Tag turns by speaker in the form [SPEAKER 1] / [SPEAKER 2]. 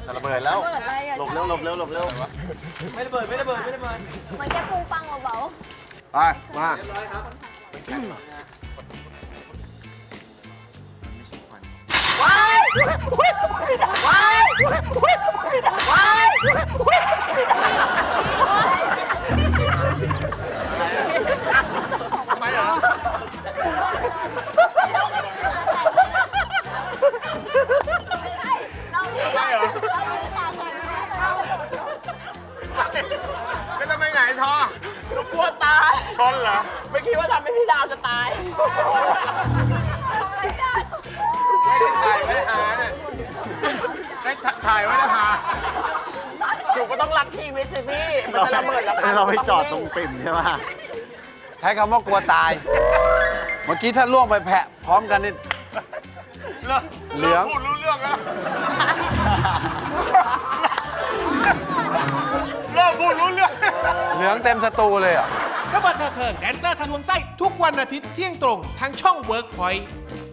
[SPEAKER 1] จะระเบิดแล้ว
[SPEAKER 2] เปิดอะไรอ่ะ
[SPEAKER 1] หลบเร็วหลบเร็วหลบเร็ว
[SPEAKER 3] ไม่ระเบิดไม่ระเบิดไม่ระเบิด
[SPEAKER 2] มันแค่ปุ้งปังเบา
[SPEAKER 1] ไปมา
[SPEAKER 3] เรียบร้อยครับ
[SPEAKER 2] ว้ายว้ายว้าย
[SPEAKER 3] ทำไมเหรอ
[SPEAKER 2] เราไม่ได้เหรอเราไม่ได้แข่งนะแต่เรา
[SPEAKER 3] ไม่ต้องไปไหนทอ
[SPEAKER 4] หนูกลัวตาย
[SPEAKER 3] ชนเหรอ
[SPEAKER 4] ไม่คิดว่าทำให้พี่ดาวจะตาย
[SPEAKER 3] ไม่ได้ถ่ายไว้หาเนี่ยได้ถ่ายไว้นะหา
[SPEAKER 4] หนูก็ต้องรักชีวิตสิพี่ มันจะระเบิดแล้ว
[SPEAKER 1] เราไปจอดตรงปิ่มใช่ไหมใช้คำว่ากลัวตาย เมื่อกี้ถ้าล่วงไปแผะพร้อมกันนี่ เหลือง
[SPEAKER 3] พูดรู้เรื่องแล้วเริ่มพูดรู้เรื่อง
[SPEAKER 1] เหลืองเต็มสตูเลยอ่ะ
[SPEAKER 5] ระเบิดเถิดเทิงแดนเซอร์ทะลวงไส้ทุกวันอาทิตย์เที่ยงตรงทางช่อง WorkPoint